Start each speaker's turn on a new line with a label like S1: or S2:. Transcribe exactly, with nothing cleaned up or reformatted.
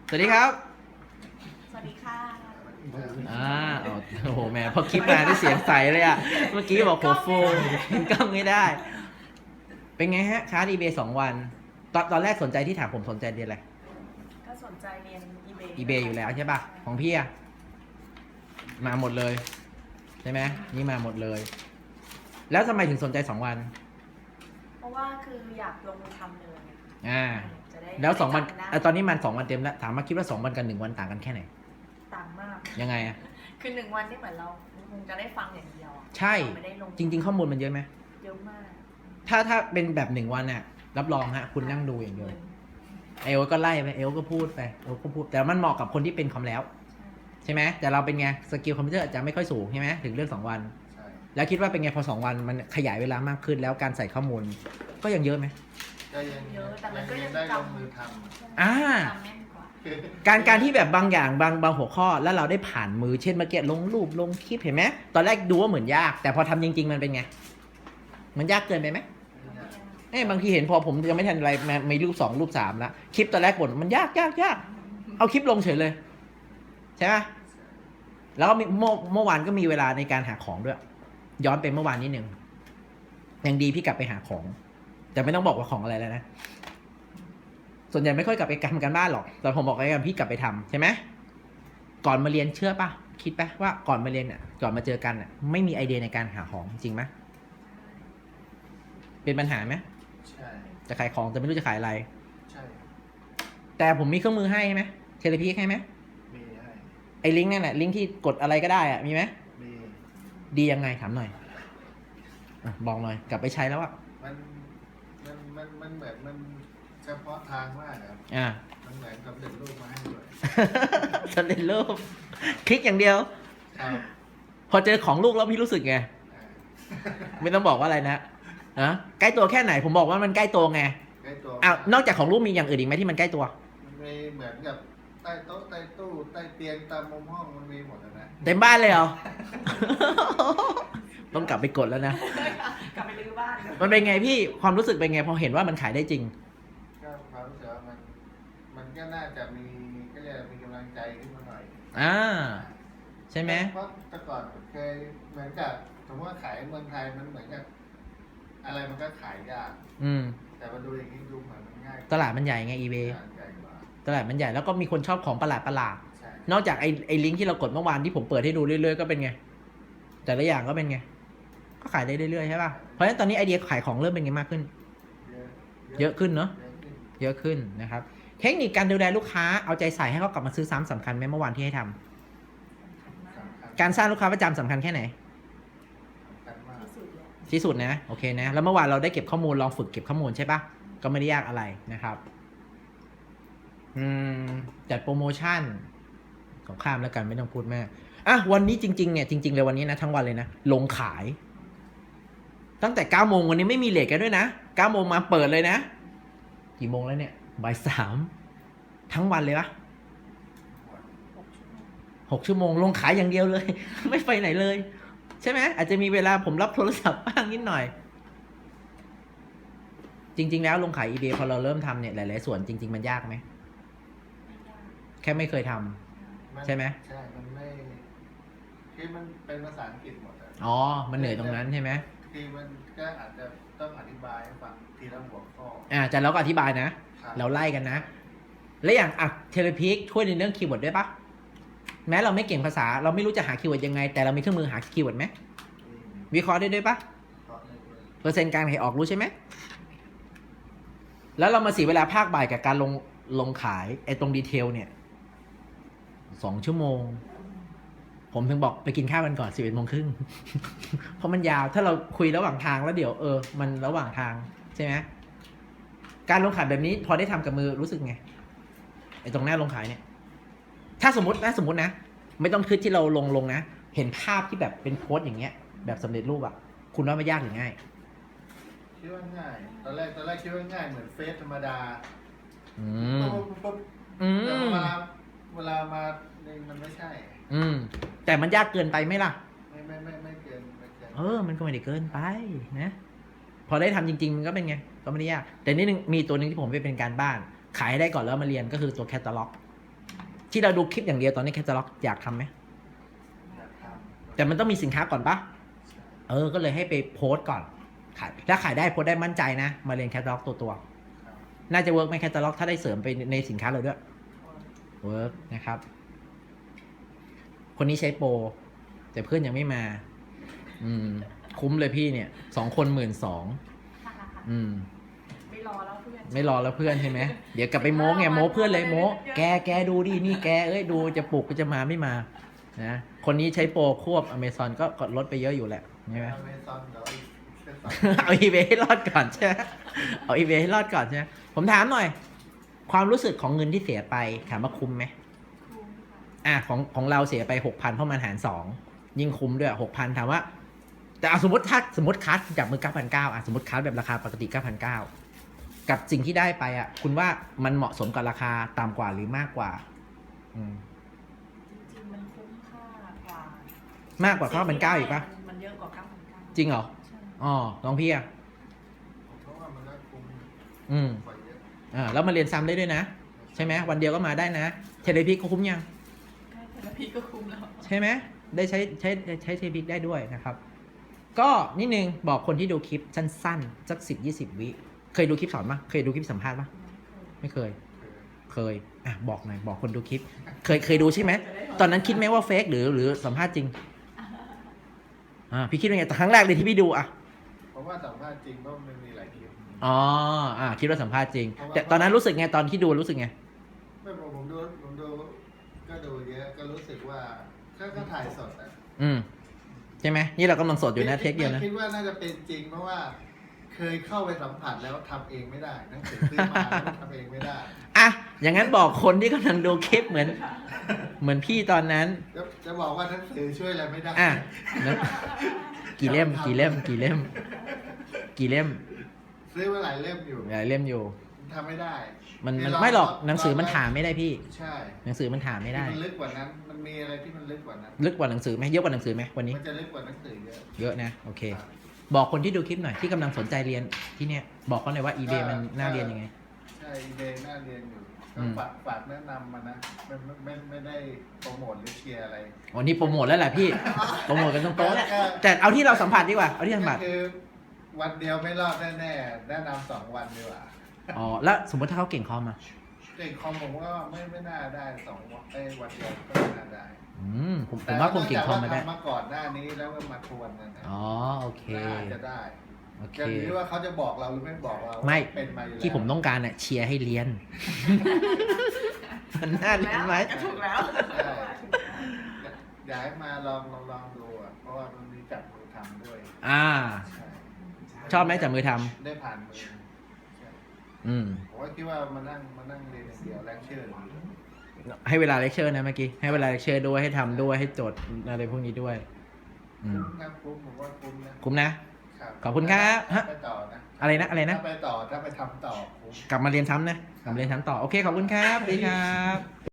S1: สวัสดีครับ
S2: สวัสดีค่ะ
S1: อ่าโอ้โหแหมพอคลิปมาได้เสียงใสเลยอะเมื่อกี้บอกหัวฟูกล้องไม่ได้ เป็นไงฮะค้าดีเบย์สองวัน ตอนตอนแรกสนใจที่ถามผมสนใจเรียนอะไร
S2: ก็สนใจเรียน eBay
S1: อีเบย์อยู่แล้วใช่ป่ะ ของพี่อะมาหมดเลย ใช่ไหมนี่มาหมดเลย แล้วทำไมถึงสนใจสองวัน
S2: เพราะว่าคืออยากลงมือทำเลย
S1: อ่า
S2: จะได้
S1: แล้วสองวัน
S2: จำได้
S1: อ่ะตอนนี้มันสองวันเต็มแล้ว ถามมาคิดว่าสองวันกับหนึ่งวันต่างกันแค่ไหน
S2: ต่างมาก
S1: ยังไงอะ
S2: คือหนึ่งวันนี่เหมือนเราคงจะได้ฟังอย่างเดียวอะ
S1: ใช่
S2: เราไม่ได้ลง
S1: จริง ๆ ข้อมูลมันเยอะไหม
S2: เยอะมาก
S1: ถ้าถ้าเป็นแบบหนึ่งวันน่ะ รับรองฮะ คุณนั่งดูอย่างเดียว
S2: หมือน
S1: เอลก็ไล่ไปเอลก็พูดไปเอลก็พูดแต่มันเหมาะกับคนที่เป็นคอมแล้ว ใช่ไหมแต่เราเป็นไงสกิลคอมพิวเตอร์อาจจะไม่ค่อยสูงใช่ไหมถึงเรื่องสองวัน
S3: ใช่
S1: แล้วคิดว่าเป็นไงพอสองวันมันขยายเวลามากขึ้นแล้วการใส่ข้อมูล ก็ยังเยอะไหม
S3: ก็ยัง
S2: เยอะแต่มันก็ยัง
S3: ได้ล
S2: จ
S3: งมือท
S2: ำ
S1: อ่า
S2: จำแม่นกว่า
S3: ำ
S1: การการที่แบบบางอย่างบางบางหัวข้อแล้วเราได้ผ่านมือเช่นเมื่อกี้ลงรูปลงคลิปเห็นไหมตอนแรกดูว่าเหมือนยาก แต่พอทำจริง ๆ มันเป็นไง มันยากเกินไปไหมเอ้ยบางทีเห็นพอผมยังไม่ทันอะไรมามีรูปสองรูปสามแล้วคลิปตอนแรกบ่นมันยากยากยากเอาคลิปลงเฉยเลย ใช่ไหมแล้วก็มีเมื่อเมื่อวานก็มีเวลาในการหาของด้วย ย้อนไปเมื่อวานนิดหนึ่งยังดีพี่กลับไปหาของ แต่ไม่ต้องบอกว่าของอะไรแล้วนะ ส่วนใหญ่ไม่ค่อยกลับไปทำกันบ้านหรอกแต่ผมบอกไว้กันพี่กลับไปทำใช่ไหมก่อนมาเรียนเชื่อปะคิดปะว่าก่อนมาเรียนอ่ะก่อนมาเจอกันอ่ะไม่มีไอเดียในการหาของจริงไหมเป็นปัญหาไหม
S3: ใช่
S1: จะขายของแต่ไม่รู้จะขายอะไร
S3: ใช่
S1: แต่ผมมีเครื่องมือให้ไหมเทเลพีให้ไหม
S3: มีให้
S1: ไอลิงก์นั่นแหละลิงก์ที่กดอะไรก็ได้อ่ะมีไหม
S3: มี
S1: ดียังไงถามหน่อยอะบอกหน่อยกลับไปใช้แล้วอ่ะ
S3: มันมันมันมันเหมือนมันเฉพาะทางมากครับ
S1: อ่า
S3: มันเหมือนกับเด็กรูปมาให้ด้วย
S1: สำเร็จรูปคลิกอย่างเดียว
S3: ครับ
S1: พอเจอของลูกแล้วพี่รู้สึกไง
S3: อ่า
S1: ไม่ต้องบอกว่าอะไรนะนะใกล้ตัวแค่ไหนผมบอกว่ามันใกล้ตัวไง
S3: ใกล้ตัว
S1: อ้าวนอกจากของลูกมีอย่างอื่นอีกไหมที่มันใกล้ตัว
S3: มันมีเหมือนกับใต้โต๊ะใต้ตู้ใต้เตียงตามมุมห้องมันมีหมดนะ
S1: เต็มบ้านเลยเหรอ ต้องกลับไปกดแล้วนะ
S2: กลับไปรื้อบ้าน
S1: มันเป็นไงพี่ความรู้สึกเป็นไงพอเห็นว่ามันขายได้จริง
S3: ก็ความรู้สึกว่ามันมันก็น่าจะมีก็เรียกว่ามีกำลังใจขึ้นมาหน่อย
S1: อ่า ใช่ไหม
S3: เพราะแต่ก่อนเคยเหมือนกับสมมติว่าขายเมืองไทยมันเหมือนกับอะไรมันก็ขายยาก
S1: อืม
S3: แต่มาดูอย่างนี้ดูเหมือนมันง่าย
S1: ตลาดมันใหญ่ไง eBay
S3: ใหญ่กว่า
S1: ตลาดมันใหญ่แล้วก็มีคนชอบของประหลาดประหลาด
S3: ใช่
S1: นอกจากไอ้ไอ้ลิงก์ที่เรากดเมื่อวานที่ผมเปิดให้ดูเรื่อยๆก็เป็นไง แต่ละอย่างก็เป็นไง ก็ขายได้เรื่อยๆใช่ป่ะ เพราะฉะนั้นตอนนี้ไอเดียขายของเริ่มเป็นไงมากขึ้น
S3: เยอะ
S1: เยอะขึ้นเนอะ
S3: เยอะขึ้น
S1: เยอะขึ้นนะครับ เทคนิคการดูแลลูกค้าเอาใจใส่ให้เขากลับมาซื้อซ้ำสำคัญไหมเมื่อวานที่ให้ทำ
S3: สำคัญ
S1: การสร้างลูกค้าประจำสำคัญแค่ไหน
S3: สำคัญมาก
S2: ที่สุดเลย
S1: ที่สุดนะโอเคนะแล้วเมื่อวานเราได้เก็บข้อมูลลองฝึกเก็บข้อมูลใช่ปะก็ไม่ได้ยากอะไรนะครับอืมจัดโปรโมชั่นของข้ามแล้วกันไม่ต้องพูดมากอ่ะวันนี้จริงๆเนี่ยจริงๆเลยวันนี้นะทั้งวันเลยนะลงขาย ตั้งแต่เก้าโมงวันนี้ไม่มีเลทกันด้วยนะเก้าโมงมาเปิดเลยนะกี่โมงแล้วเนี่ยบ่ายสามทั้งวันเลยปะ
S2: หกชั่วโมง
S1: หกชั่วโมงลงขายอย่างเดียวเลย ไม่ไปไหนเลย ใช่ไหมอาจจะมีเวลาผมรับโทรศัพท์บ้างนิดหน่อย จริง ๆ แล้วลงขาย eBay พอเราเริ่มทำเนี่ยหลายๆส่วนจริง ๆ มันยากไหม
S2: ไม่ยาก
S1: แค่ไม่เคยทำ
S3: น
S1: ใช่ไหม
S3: ใช่มันไม่คือมันเป็นภาษาอังกฤษหมดอะ
S1: อ๋อ มันเหนื่อยตรงนั้นใช่ไหม
S3: คือมันก็อาจจะต้องอธิบายให้ฟังทีละหัวข้อ
S1: อ่าแต่เราก็อธิบายนะ
S3: ครับ
S1: เราไล่กันนะ แล้วอย่างอ่ะเทเลพิกช่วยในเรื่องคีย์เวิร์ดด้วยปะแม้เราไม่เก่งภาษา เราไม่รู้จะหาคีย์เวิร์ดยังไง แต่เรามีเครื่องมือหาคีย์เวิร์ดไหม
S3: มี
S1: วิเคราะห์ได้ด้วยปะ
S3: เพราะในเรื่อง
S1: เปอร์เซ็นต์การขายออกรู้ใช่ไหม แล้วเรามาเสียเวลาภาคบ่ายกับการลงลงขายไอ้ตรงดีเทลเนี่ยสองชั่วโมง ผมถึงบอกไปกินข้าวกันก่อนสิบเอ็ดโมงครึ่ง เพราะมันยาว ถ้าเราคุยระหว่างทางแล้วเดี๋ยวเออ มันระหว่างทางใช่ไหม การลงขายแบบนี้พอได้ทำกับมือรู้สึกไง ไอ้ตรงหน้าลงขายเนี่ย ถ้าสมมตินะสมมตินะ ไม่ต้องคิดที่เราลงลงนะ เห็นภาพที่แบบเป็นโพสต์อย่างเงี้ย แบบสำเร็จรูปอะคุณว่าไม่ยากหรือง่าย
S3: คิดว่าง่าย ตอนแรกตอนแรกคิดว่าง่ายเหมือนเฟซธรรมดา
S1: อืม
S3: ปุ๊บปุ๊บปุ๊บ
S1: อื
S3: แต่
S1: ม
S3: เวลาเวลามาเนี่ยมันไม่ใช่
S1: อืม แต่มันยากเกินไปไหมล่ะ
S3: ไม่ไม่ไม่ไม่เกินไม่เกิน
S1: เออ มันก็ไม่ได้เกินไปนะ พอได้ทำจริงๆ มันก็เป็นไง ก็ไม่ได้ยาก แต่นี่นึงมีตัวหนึ่งที่ผมไปเป็นการบ้าน ขายให้ได้ก่อนแล้วมาเรียนก็คือตัวแคตตาล็อกที่เราดูคลิปอย่างเดียวตอนนี้แคตตาล็อกอยากทำไหม
S3: อยากทำ
S1: แต่มันต้องมีสินค้าก่อนปะเออก็เลยให้ไปโพสต์ก่อนขายถ้าขายได้โพสต์ได้มั่นใจนะมาเรียนแคตตาล็อกตัวตัว
S3: ครับ
S1: ๆน่าจะเวิร์กไหมแคตตาล็อกถ้าได้เสริมไปในสินค้าเราด้วยเวิร์กนะครับ คนนี้ใช้โปรแต่เพื่อนยังไม่มา อืม คุ้มเลยพี่เนี่ยสองคนหมื่นสองอืม
S2: ไม่รอแล้วเพื่อน
S1: ไม่รอแล้วเพื่อนใช่ไหม เดี๋ยวกลับไปโม้ไงโม้เพื่อนเลยโม้แกแกดูดินี่แกเอ้ยดูจะปลุกก็จะมาไม่มานะคนนี้ใช้โปรควบอเมซอนก็กดลดไปเยอะอยู่แหละใช่ไหม
S3: อเมซอนเดี๋ยวอีกสักสอง
S1: เอาอีเบให้รอดก่อนใช่ไหมเอาอีเบให้รอดก่อนใช่ไหมผมถามหน่อย ความรู้สึกของเงินที่เสียไปถามว่าคุ้มไหม
S2: คุ้มค่ะ
S1: อ่ะของของเราเสียไปหกพันเพราะมันหารสองยิ่งคุ้มด้วยหกพันถามว่า แต่เอาสมมติถ้าสมมติคัสจากมือเก้าพันเก้าอ่ะสมมติคัสแบบราคาปกติเก้าพันเก้ากับสิ่งที่ได้ไปอ่ะ คุณว่ามันเหมาะสมกับราคาต่ำกว่าหรือมากกว่า อืม
S2: จริงๆมันคุ้มค่ากว่า
S1: มากกว่าเก้าพันเก้าอีกปะ
S2: มันเยอะกว่าเก้าพันเก้า
S1: จริงเหรอ
S2: ใช่
S1: อ๋อน้องพี่อ่ะ
S3: เพราะว่ามันก็คุ้ม
S1: อืม
S3: กว่าเยอะ
S1: อ่าแล้วมาเรียนซ้ำได้ด้วยนะ ใช่ไหมวันเดียวก็มาได้นะเทเลพิกก็คุ้มยัง
S2: แค่เทเลพีก็คุ้มแล้ว
S1: ใช่ไหมได้ใช้ใช้ใช้เทพิกได้ด้วยนะครับ ก็นิดนึงบอกคนที่ดูคลิปสั้นๆสักสิบยี่สิบวิเคยดูคลิปสอนปะเคยดูคลิปสัมภาษณ์ปะไม่เคย
S3: คือ
S1: เคยอ่ะบอกหน่อยบอกคนดูคลิป เคยเคยดูใช่ไหมตอนนั้นคิดไหมว่าเฟกหรือหรือสัมภาษณ์จริงอ่าพี่คิดว่าไงแต่ครั้งแรกเลยที่พี่ดูอ่ะ
S3: เพราะว่าสัมภาษณ์จริงเพราะมันมีหลายคลิป
S1: อ๋ออ่าคิดว่าสัมภาษณ์จริง แต่ตอนนั้นรู้สึกไงตอนที่ดูรู้สึกไง
S3: ไม่ผมผมดูผมดูก็ดูเยอะก็รู้สึกว่าก็ก็ถ่ายสดอ่ะ
S1: อืมใช่ไหมนี่เรากำลังสดอยู่นะเทคเดียวนะ
S3: คิดว่าน่าจะเป็นจริง เพราะว่าเคยเข้าไปสัมผัสแล้วทำเองไม่ได้หนังสือซื้อมาแล้วทำเองไม่ได้
S1: อ่ะอย่างนั้นบอกคนที่กำลังดูคลิปเหมือน เหมือนพี่ตอนนั้น
S3: จะจะบอกว่าหนังสือช่วยอะไรไม่ได้
S1: อ่ะนะกี่เล่มกี่เล่มกี่เล่ม กี่เล่ม
S3: ซื้อมาหลายเล่มอยู่
S1: หลายเล่มอยู่
S3: ทำไม่ได้
S1: มัน
S3: คื
S1: มัน
S3: ลง
S1: ไม่หรอก
S3: ลง
S1: หนังสือมัน
S3: ล
S1: ถามไม่ได้พี่
S3: ใช่
S1: หนังสือมันถามไม่ได้
S3: มันลึกกว่านั้น มันมีอะไรที่มันลึกกว่านั้น
S1: ลึกกว่าหนังสือไหมเยอะกว่าหนังสือไหมวันนี้
S3: มันจะลึกกว่าหนังสือเยอะ
S1: เยอะนะโอเค
S3: ครับ
S1: บอกคนที่ดูคลิปหน่อยที่กำลังสนใจเรียนที่เนี่ยบอกเขาหน่อยว่า eBay มันน่าเรียนยังไง
S3: ใช่อีเดย์น่าเรียนอยู่
S1: อื
S3: ก็
S1: ม
S3: ฝากฝากแนะนำมานะไม่ไม่ไม่ไม่ได้โปรโมทหรือเชียร์อะไร
S1: วันนี้โปรโมทแล้วแหละพี่โปรโมทกันตรงๆแหละ
S3: ก็
S1: แต่เอาที่เราสัมผัสดีกว่าเอาที่สัมผัส
S3: ก็คือวันเดียวไม่รอดแน่ๆแนะนำสองวันดีกว่า
S1: อ๋อแล้วสมมติถ้าเขาเก่งคอมอ่ะ
S3: เด็กคอมผมก็ไม่ไม่น่าได้สองวันเอ้ยวันเดียวก็ไม่น่าได้
S1: อืมผมผมว่าคนเก่งคอมมาได้
S3: แต่ว่ทำมาก่อนหน้านี้แล้วก็มาทวนกันนะ
S1: อ๋อโอเค
S3: น่าจะได้
S1: โอเค
S3: จะหรือว่าเขาจะบอกเราหรือไม่บอกเรา
S1: ไม่
S3: เป็นมาอยู่แล้ว
S1: ที่ผมต้องการอ่ะเชียร์ให้เรียน มันน่าเรียนไหม
S2: ก็ถูกแล้ว
S3: ใช่อยากให้มาลองลองลองดูอ่ะเพราะว่ามันมีจับมือทำด้วย
S1: อ่า
S3: ใช่
S1: ชอบไหมจับมือทำ
S3: ได้ผ่านมือใช่
S1: อืม
S3: ผมก็คิดว่ามานั่งมานั่งเรียนอย่างเดียวแลกเชื่อร์
S1: ให้เวลาเลคเชอร์นะเมื่อกี้ให้เวลาเลคเชอร์ด้วยให้ทำด้วยให้จดอะไรพวกนี้ด้วย อืม
S3: คุ้มครับคุ้มผมว่าคุ้มนะ
S1: คุ้มนะ
S3: ครับ
S1: ขอบคุณครับ
S3: ถ้า
S1: ฮะ
S3: ไปต่อนะ
S1: อะไรนะอะไรนะ
S3: ถ้าไปต่อถ้าไปทำต่อคุ้ม
S1: กลับมาเรียนซ้ำนะกลับมาเรียนซ้ำต่อโอเคขอบคุณครับสวัสดีครับ